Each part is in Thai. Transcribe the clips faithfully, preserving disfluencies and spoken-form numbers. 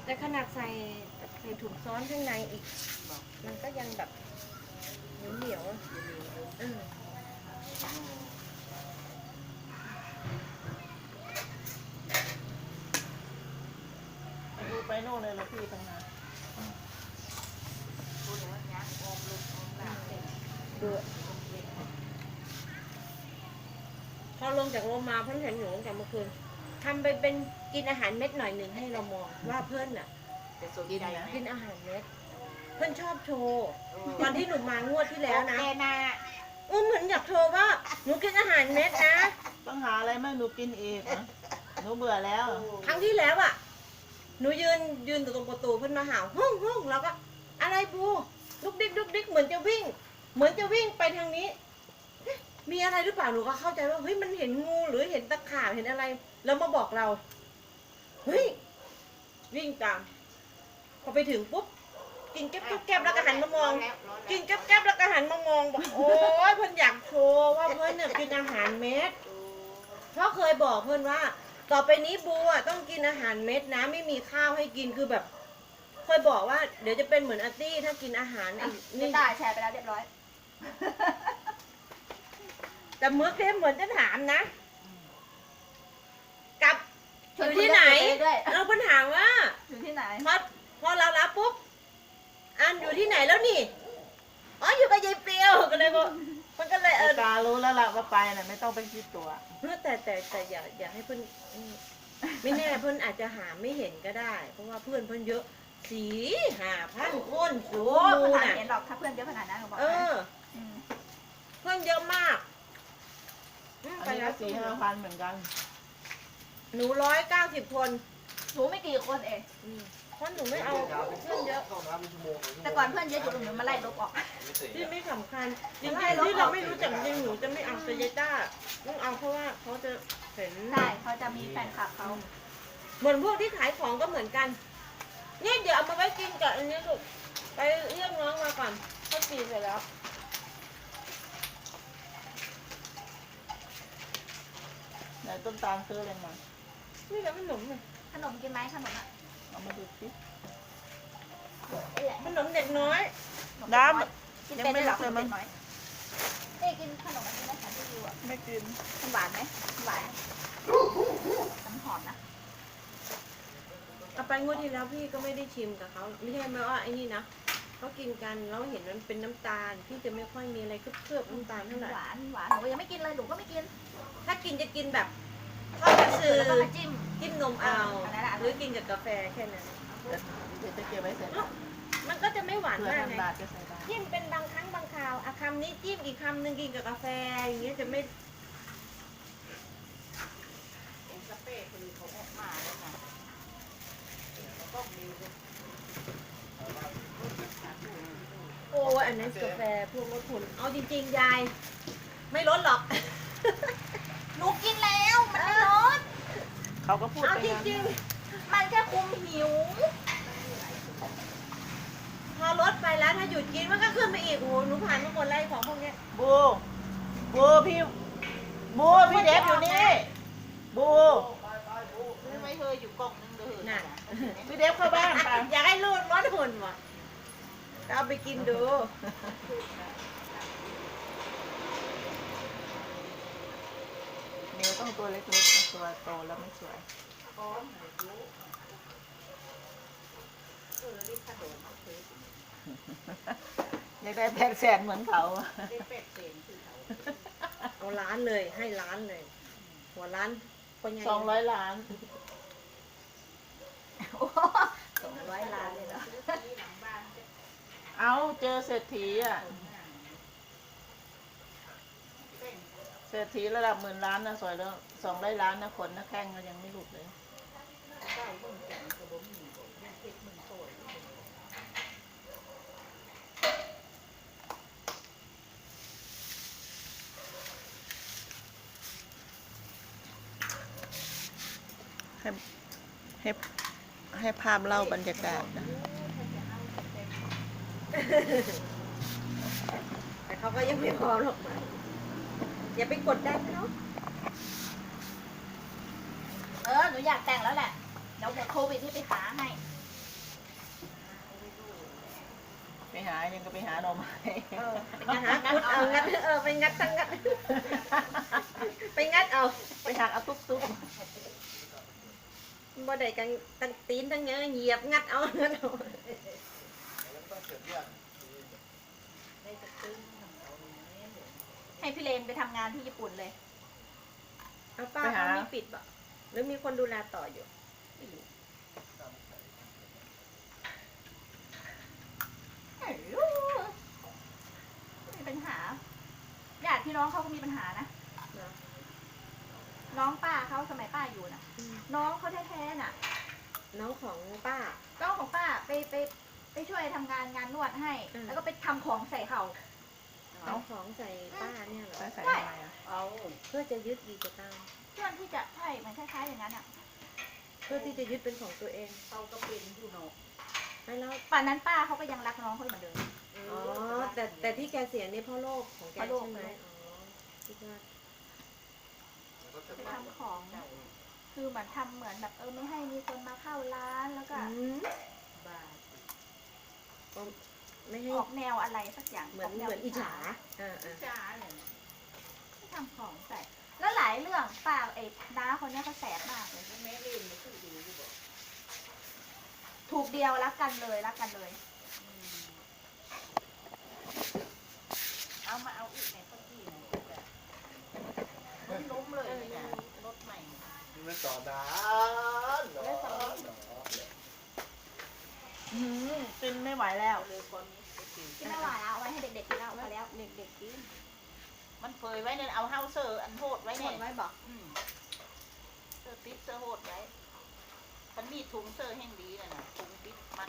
แต่ขนาดใส่ใส่ถุงซ้อนข้างในอีกบอกมันก็ยังแบบเหนียวเหนียวๆอะเออไปดูไปโน่นเลยละพี่ตั้งนานพูดเลยว่ายักษ์อมลูกอมหลานเสร็จดูพอลงจากโรงมาเพิ่นเห็นหนูตั้งแต่เมื่อคืนทำไปเป็นกินอาหารเม็ดหน่อยหนึ่งให้เรามองว่าเพื่อนน่ะจะสนใจไหมกินอาหารเม็ดเพื่อนชอบโชว์ตอนที่หนูมางวดที่แล้วนะแกนาอุ้มเหมือนอยากโชว์ว่าหนูกินอาหารเม็ดนะต้องหาอะไรไม่หนูกินอีกนะหนูเบื่อแล้วครั้งที่แล้วอ่ะ หนูยืนยืนอยู่ตรงประตูเพื่อนมาหาวห้องห้องแล้วก็ อะไรปูลุกดิ๊กลุกดิ๊กเหมือนจะวิ่ง เหมือนจะวิ่งไปทางนี้เอ๊ะมีอะไรหรือเปล่าหนูก็เข้าใจว่าเฮ้ยมันเห็นงูหรือเห็นตะขาบเห็นอะไร แล้วมาบอกเราเฮ้ยวิ่งตาม พอไปถึงปุ๊บกินแก๊บแก๊บแก๊บแล้วก็หันมามอง กินแก๊บแก๊บแล้วก็หันมามองบอกโอ้ยเพื่อนอยากโชว์ว่าเพื่อนเนี่ยกินอาหารเม็ด เพราะเคยบอกเพื่อนว่า ต่อไปนี้บูอ่ะต้องกินอาหารเม็ดนะไม่มีข้าวให้กินคือแบบ เคยบอกว่าเดี๋ยวจะเป็นเหมือนอาร์ตี้ถ้ากินอาหารไอ้นี่นี่ตาแชร์ไปแล้วเรียบร้อยแต่เมื่อเคมเหมือนจะถามนะกลับอชวนยู่คุยที่ไหนเรื่องตัวเองด้วยเราเพิ่นถามว่าอยู่ที่ไหนพอพอเรารับปุ๊บอันอยู่ที่ไหนแล้วนี่อ๋ออยู่กับยายเปียวก็เลยบอกมันก็เลยเอไอ้อตารู้แล้วล่ะว่าไปน่ะไม่ต้องไปคิดตัวแต่แต่แต่อย่าอย่าให้เพื่อนอืมไม่แน่เพื่อนอาจจะหาไม่เห็นก็ได้ เพราะว่าเพื่อนเพื่อนเยอะสีหาพันคนสูโอ้มูขนาดน่ะเห็นหรอกถ้าเพื่อนเยอะขนาดนั้นหนูบอกเอให้อมเพื่อนเยอะมากอืมอันไปนี้แล้ก็วสี่ห้าพันเหมือนกันหนูร้อยเก้าสิบคนหนูไม่กี่คนเองอืมเพราะหนูไม่เอาเพื่อนเยอะแต่ก่อนเพื่อนเยอะอยู่หนูมาไล่ลบออกที่ไม่สำคัญจริงๆที่เราไม่รู้จักจริงหนูจะไม่เอาเซเยต้าต้องเอาเพราะว่าเขาจะเห็นใช่เขาจะมีแฟนคลับเขาเหมือนพวกที่ขายของก็เหมือนกันเนี่ยเดี๋ยวเอามาไว้กินกับอันนี้ลูกไปเรียกน้องมาก่อนเขาตีเสร็จแล้วไหนต้นตาลซื้ออะไรมานี่แหละขนมน่ะขนมกินไหมขนมอ่ะเอามาดูสินี่แหละขนมเด็กน้อยน้กินำยังเป็นไม่ได้หรรัอกเลยมั้งกินน้อยเอ้ยกินขนมอันนี้ไหมคะที่ดูอ่ะไม่กินมันหวานไหมหวานมันหอมนะเอาไปงวดที่แล้วพี่ก็ไม่ได้ชิมกับเขาไม่ใช่ไหมว่าไอ้นี่นะเขากินกันแล้วเห็นมันเป็นน้ำตาลพี่จะไม่ค่อยมีอะไรเคลือบๆน้ำตาลเท่าไหร่หวานหวานหนูยังไม่กินเลยหนูก็ไม่กินถ้ากินจะกินแบบทอดกระสือแล้วก็มาจิ้มจิ้มนมเอาอันนั้นอะหรือกินกับกาแฟแค่นั้นเดี๋ยวจะเก็บไว้เสร็จมันก็จะไม่หวานเผื่อมากท่านไงบาทจะใส่ได้จิ้มเป็นบางครั้งบางคราวอะคำนี้จิ้มอีกคำหนึ่งกินกับกาแฟอย่างเงี้ยจะไม่เป็นสเปรย์คือเขาออกมาแล้วไงก็มีโอ้ยอันนั้นกาแฟพวกลดหุ่นเอาจริงๆยาย ไม่ลดหรอกหนูกินแล้วมันไม่ลดเขาก็พูดเอาไปจงั้นริงมันแค่คุมหิวๆ พอลดไปแล้วถ้าหยุดกินมันก็ขึ้นไปอีกโอ้โหหนูผ่านมาหมดเลยของพวกเนี้ยบูบูพี่บูพี่เดฟอยู่นี่บูซื้อไม่เคยอยู่กล่องนึงเลยน่ะพี่เดฟเข้าบ้านไปอยากให้ลูดลดหุ่นว่ะเอาไปกินดูเมียต้องตัวเล็กๆนะตัวโตแล้วไม่สวยอยากได้แปดแสนเหมือนเขาอะเอาล้านเลยให้ล้านเลย หัวล้านคนใหญ่สองร้อยล้านสองร้อยล้านเลยเหรอเอาเจอเศรษฐีอ่ะเศรษฐีระดับหมื่นล้านนะสวยแล้วสองร้อยล้านนะขนนะแข้งก็ยังไม่หลุดเลยให้ให้ให้ภาพเล่าบรรยากาศนะแต่เขาก็ยังไม่พร้อมหรอกมาอย่าไปกดดันเขาเออหนูอยากแต่งแล้วแหละเดี๋ยวหมดโควิดที่ไปหาให้ไปหายังก็ไปหาหน่อไม้เออไปหาคุดเอางัดเออไปงัดทั้งงัด ไปงัดเอาไปหาเอาตุ๊บตุ๊บบ่ได้กันตั้งตีนทั้งเงี้ยเหยียบงัดเอางัดเอาได้จะตึ้งของเขาเนี่ยเดี๋ยวให้พี่เลนไปทำงานที่ญี่ปุ่นเลยเอาป้าเขาไม่ปิดบ่หรือมีคนดูแลต่ออยู่ไม่รู้ไม่รู้ไม่มีปัญหาญาติพี่น้องเขาก็มีปัญหานะเนาะน้องป้าเขาสมัยป้าอยู่น่ะอืมน้องเขาแท้ๆน่ะน้องของป้าน้องของป้าไปไปไปช่วยทำงานงานนวดให้อืมแล้วก็ไปทำของใส่เขาเอาของใส่ป้าเนี่ยเหรอใส่ใส่ทำไมอ่ะเอาเพื่อจะยึดดีจะตามเพื่อนที่จะใช่มันคล้ายๆอย่างนั้นอ่ะเพื่อที่จะยึดเป็นของตัวเองเขาก็เป็นอยู่เนาะให้แล้วป่านนั้นป้าเขาก็ยังรักน้องเขาอยู่เหมือนเดิมอ๋อแต่แต่ที่แกเสียนี่เพราะโรคของแกเพราะโรคใช่ไหมอ๋อคิดว่าไปทำของ คือเหมือนทำเหมือนแบบเออไม่ให้มีคนมาเข้าร้านแล้วก็อืมบ้าก็ไม่ให้ออกแนวอะไรสักอย่างเหมือนกแวเหมือนอิจฉาอ่าอ่าจ้าเนี่ยที่ทำของใส่ แล้วหลายเรื่องป้าไอ้น้าคนเนี้ยเขาแสบมากเลยแม่เล่นไม่คือดูอยู่บอกถูกเดียวรักกันเลยรักกันเลยเอามาเอาอีกในพักที่ไหนจ้ะมันล้มเลยเนี่ยรถใหม่ไม่ต่อนานเนาะอืมกินไม่ไหวแล้วเอาเลยความนี้ไปกินกินไม่ไหวแล้วเอาไว้ให้เด็กๆกินแล้วพอแล้วเด็กๆกินมันเฟยไว้เนี่ยเอาเฮาเซอร์อันโหดไว้หมเนี่ยดไว้บอกอืมเซอร์ปิดเซอร์โหดไว้มันมีถุงเซอร์แห่งดีน่ะนะถุงปิดมัน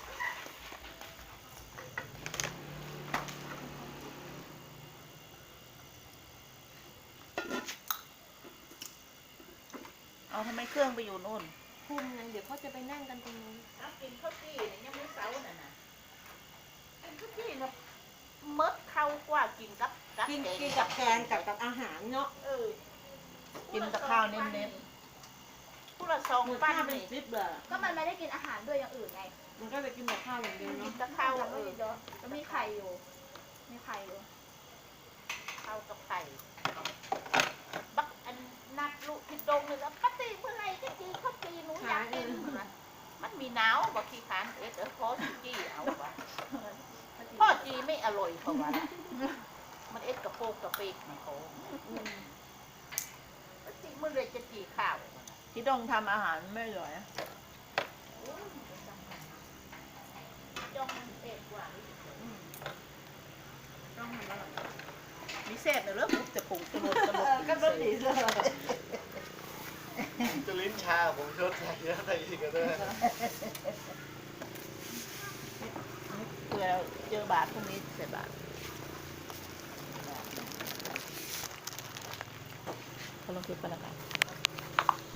เอาทำไมเครื่องไปอยู่นู่นคุมไงเดี๋ยวเขาจะไปนั่งกันตรงนู้นเอากินข้าวจี้เนี่ยยังไม่เซาน่ะนะกินข้าวจี้นะมดเข้ากว่ากินกับกับกินแงกินกับแกงกับกับอาหารเนาะเออกินกับข้าวเน้นผู้ละสองเหมือนปั้นข้าวเป็นนี่คลิปเลยก็มันไม่ได้กินอาหารด้วยอย่างอื่นไงมันก็จะกินแต่ข้าวอย่างเดียวกิเนาะนกับข้าวทำเอไม่อเยอะแล้วมีไข่อยู่ มีไข่อยู่ข้าวกับไข่บักอันนัดลูกที่ดงเลยแล้วปฏิเมื่อไรจะกินข้าวจีหนูอยากกินมันมันมีหนาวบักขี้ขานเอ็ดเออพอสิจี้เอาวะพ่อจีไม่อร่อยเพราะว่ามันเอ็ดกระโปงกระเปกมันเขาปฏิเมื่อไรจะจีข้าวๆที่ต้องทำอาหารไม่อร่อยอะจ้องมันเอ็ดกว่าต้องทำอะไรมีเศษเหรอปุ๊บจะผงจะหมดจะหมดก็รสดีเลยจะลิ้นชาผมชดใส่เยอะใส่อีกก็ได้เผื่อเจอบาทพรุ่งนี้ใส่บาทเขาลงคลิปกันแล้วกัน